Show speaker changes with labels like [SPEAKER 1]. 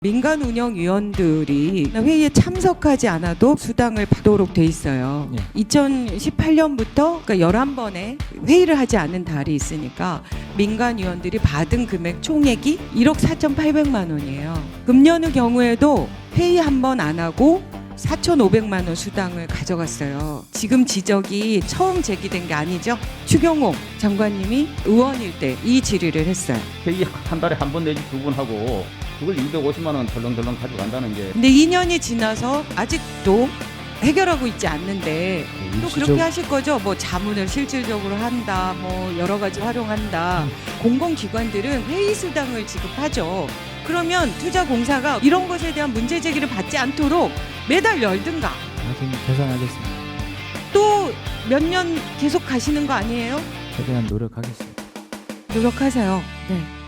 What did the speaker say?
[SPEAKER 1] 민간운영위원들이 회의에 참석하지 않아도 수당을 받도록 돼 있어요. 2018년부터 그러니까 11번의 회의를 하지 않은 달이 있으니까 민간위원들이 받은 금액 총액이 1억 4,800만 원이에요. 금년의 경우에도 회의 한 번 안 하고 4,500만 원 수당을 가져갔어요. 지금 지적이 처음 제기된 게 아니죠. 추경호 장관님이 의원일 때 이 질의를 했어요.
[SPEAKER 2] 회의 한 달에 한 번 내지 두 번 하고 그걸 250만 원 덜렁덜렁 가져간다는 게.
[SPEAKER 1] 근데 2년이 지나서 아직도 해결하고 있지 않는데 또 그렇게 하실 거죠? 뭐 자문을 실질적으로 한다, 뭐 여러 가지 활용한다. 공공기관들은 회의 수당을 지급하죠. 그러면 투자공사가 이런 것에 대한 문제 제기를 받지 않도록 매달 열든가.
[SPEAKER 3] 나중에 개선하겠습니다.
[SPEAKER 1] 또 몇 년 계속 가시는 거 아니에요?
[SPEAKER 3] 최대한 노력하겠습니다.
[SPEAKER 1] 노력하세요. 네.